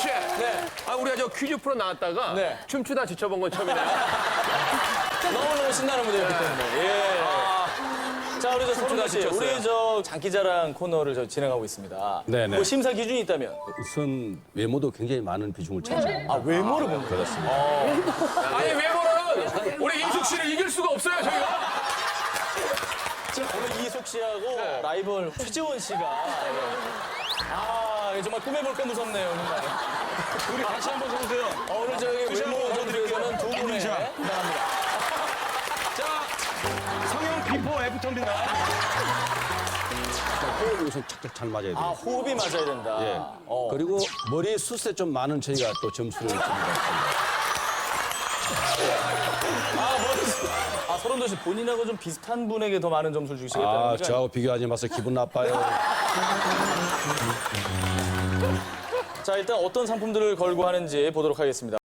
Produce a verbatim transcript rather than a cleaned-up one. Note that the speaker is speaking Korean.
씨. 네. 아, 우리가 저 퀴즈 프로 나왔다가 네. 춤추다 지쳐본 건 처음이네요. 너무너무 신나는 무대였기 때문에. 예. 자, 우리 저 서른도 씨, 지쳤어요. 우리 저 장기자랑 코너를 저 진행하고 있습니다. 네네. 뭐 심사 기준이 있다면? 우선 외모도 굉장히 많은 비중을 차지합니다. 아, 외모를 보는 거예요? 그렇습니다. 아니, 외모는 우리 이숙 씨를 이길 수가 없어요, 저희가. 오늘 이숙 씨하고 라이벌 최재원 씨가. 아, 정말 꿈해볼까 무섭네요, 정말. 우리 같이 한번 서보세요. 어, 오늘 저기 외모 보여드리기에는 두 분의 인증샷. 감사합니다. 자, 성형 비포 애프터입니다. 호흡이 우선 착착 잘 맞아야 돼요. 아, 호흡이 맞아야 된다. 예. 어. 그리고 머리 숱에 좀 많은 저희가 또 점수를 줍니다. 아, 머리. 아, 서른도 씨 본인하고 좀 비슷한 분에게 더 많은 점수를 주시겠다는 아, 거죠? 저하고 비교하지 마서 기분 나빠요. 자, 일단 어떤 상품들을 걸고 하는지 보도록 하겠습니다.